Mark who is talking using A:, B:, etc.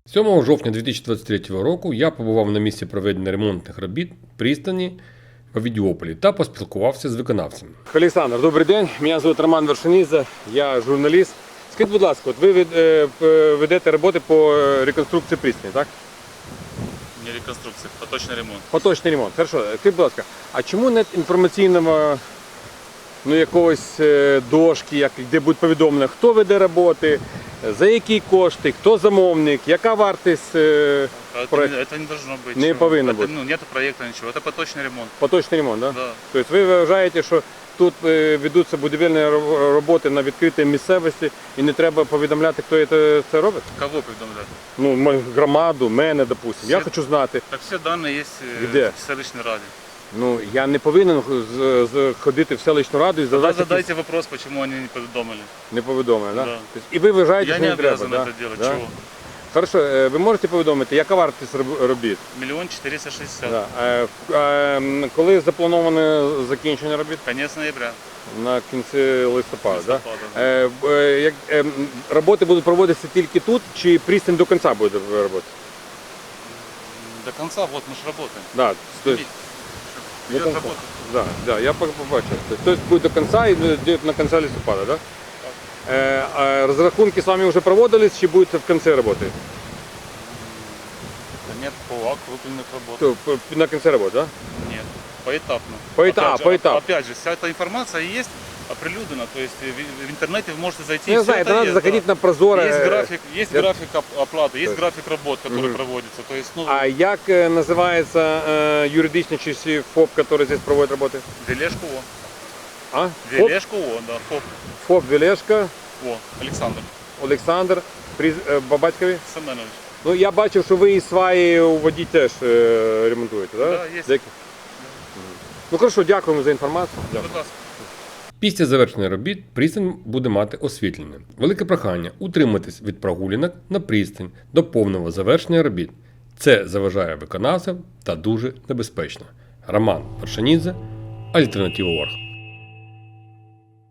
A: 7 жовтня 2023 року я побував на місці проведення ремонтних робіт пристані в Авдіополі та поспілкувався з виконавцем. Олександр, добрий день. Мене звуть Роман Вершинідзе, я журналіст. Скажіть, будь ласка, от ви ведете роботи по реконструкції пристані, так?
B: Не реконструкція, поточний ремонт.
A: Поточний ремонт. Хорошо. Скажіть, будь ласка, а чому нет інформаційного якогось дошки, де буде повідомлено, хто веде роботи, за які кошти, хто замовник, яка вартість проєкту?
B: Это не должно быть.
A: Не повинно бути.
B: Нет проекта, ничего. Это поточный ремонт.
A: Поточний ремонт, так?
B: Да.
A: Тобто ви вважаєте, що тут ведуться будівельні роботи на відкритій місцевості і не треба повідомляти, хто це робить?
B: Кого повідомляти?
A: Ну, громаду, мене, допустимо. Я хочу знати.
B: Так все дані є
A: Де?
B: в селищній раді.
A: Ну, я не повинен ходити в селищну раду і
B: Тогда
A: задати
B: задайте вопрос, почему они не повідомили.
A: не повідомлено, так?
B: Да.
A: Тобто, і ви вважаєте,
B: Я
A: що
B: не
A: не треба,
B: обязан
A: да?
B: это делать.
A: Да?
B: Чего?
A: Хорошо, ви можете повідомити, яка вартість робіт?
B: 1 460 000.
A: Да. Коли заплановане закінчення робіт?
B: Конец ноября.
A: На кінці листопада, так?
B: Листопада,
A: Роботи будуть проводитися тільки тут, чи пристань до кінця буде роботи?
B: До конца, вот мы же работаем.
A: Да,
B: Идет
A: до кінця.
B: работа.
A: Да, я побачив. Тобто буде до кінця і буде на кінці листопада, так? Розрахунки з вами вже проводились, чи будете в кінці роботи?
B: Да нет, по округленных работ.
A: На кінці роботи, так?
B: Нет, поэтапно.
A: Поэтапно.
B: Опять же, вся эта информация есть оприлюднена, то есть в интернете вы можете зайти.
A: Я
B: всё
A: знаю,
B: это
A: это надо
B: есть,
A: заходить
B: да.
A: на Прозоро.
B: Есть график оплаты, есть график работ, который проводится. То есть, ну,
A: А як називається юридичний чи ФОП, який здесь проводить роботи?
B: Велешко О.
A: А?
B: Велешко О, да, ФОП.
A: ФОП Велешко,
B: О, Олександр
A: Олександр, батькові?
B: Семенович.
A: Ну, я бачив, що ви і сваї у воді теж ремонтуєте, так?
B: Да, є.
A: Ну, хорошо, дякуємо за інформацію.
B: Будь ласка.
A: Після завершення робіт пристань буде мати освітлення. Велике прохання утриматись від прогулянок на пристань до повного завершення робіт. Це заважає виконавцям та дуже небезпечно. Роман Вершинідзе, Альтернатива.орг.